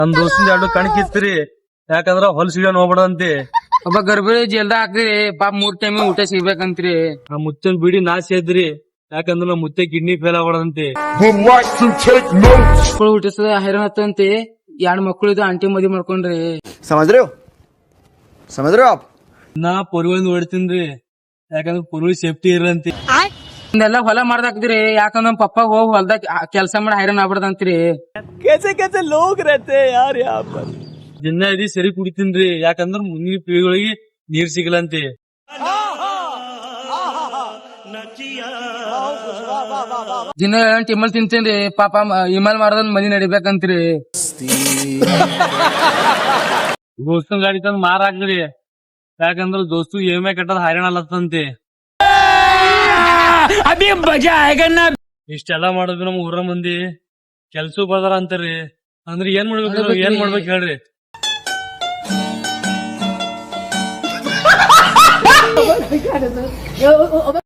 ನಮ್ ದೋಸ್ತಿಂದ 2 ಕಣಕಿತ್ರಿ, ಯಾಕಂದ್ರ ಹೊಲ್ ಸಿಗನ್ ಹೋಗ್ಬಿಡಂತಿ. ಒಬ್ಬ ಗರ್ಭಿಣಿ ಜಲ್ದ ಹಾಕ್ತಿರಿ ಪಾಪ 3 ಟೈಮ್ ಊಟ ಸಿಗ್ಬೇಕಂತ್ರಿ. ಆ ಮುಚ್ಚನ್ ಬಿಡಿ ನಾಶ ಇದ್ರಿ, ಯಾಕಂದ್ರ ನಮ್ ಮುತ್ತೆ ಕಿಡ್ನಿ ಫೇಲ್ ಆಗ್ಬಿಡಂತಿ. ಮಕ್ಕಳು ಹುಟ್ಟಿಸದ ಹೈರಾಣ ಹತ್ತಂತಿ. 2 ಮಕ್ಕಳಿದ್ದು ಆಂಟಿ ಮದ್ವಿ ಮಾಡ್ಕೊಂಡ್ರಿ. समझ रहे हो आप? ನಾ ಪೊರ್ವಲ್ ಹೊಡಿತೀನ್ರಿ, ಯಾಕಂದ್ರ ಪೊರ್ವಿ ಸೇಫ್ಟಿ ಇರಂತಿ. ಇದೆಲ್ಲ ಹೊಲ ಮಾಡ್ದಾಕ್ತಿರಿ, ಯಾಕಂದ್ರ ನಮ್ ಪಪ್ಪ ಹೋಗಿ ಹೊಲ್ದಾಗ ಕೆಲ್ಸ ಮಾಡಿ ಹೈರಾಣ ಆಗ್ಬಿಡದಂತ್ರಿ. ದಿನ ಇದಿ ಸರಿ ಕುಡಿತೀನ್ರಿ, ಯಾಕಂದ್ರ ಮುಂದಿನ ಪೀಳಿಗೆಗಳಿಗೆ ನೀರ್ ಸಿಗಲಂತಿ. ದಿನ 8 ಇಮಲ್ ತಿಂತೇನ್ರಿ, ಪಾಪ ಇಮಲ್ ಮಾಡ್ದಂದ್ ಮನಿ ನಡಿಬೇಕಂತ್ರಿ. ದೋಸ್ತನ್ ಗಾಡಿ ತಂದ್ ಮಾರಾಕ್ರಿ, ಯಾಕಂದ್ರ ದೋಸ್ತು EMI ಕಟ್ಟದ್ ಹೈರಾಣ ಅಲ್ಲತ್ತಂತಿ. ಇಷ್ಟೆಲ್ಲಾ ಮಾಡೋದು ನಮ್ ಊರ ಮಂದಿ ಕೆಲ್ಸ ಬರ್ದಾರ ಅಂತಾರಿ. ಅಂದ್ರ ಏನ್ ಮಾಡ್ಬೇಕು ಹೇಳ್ರಿ.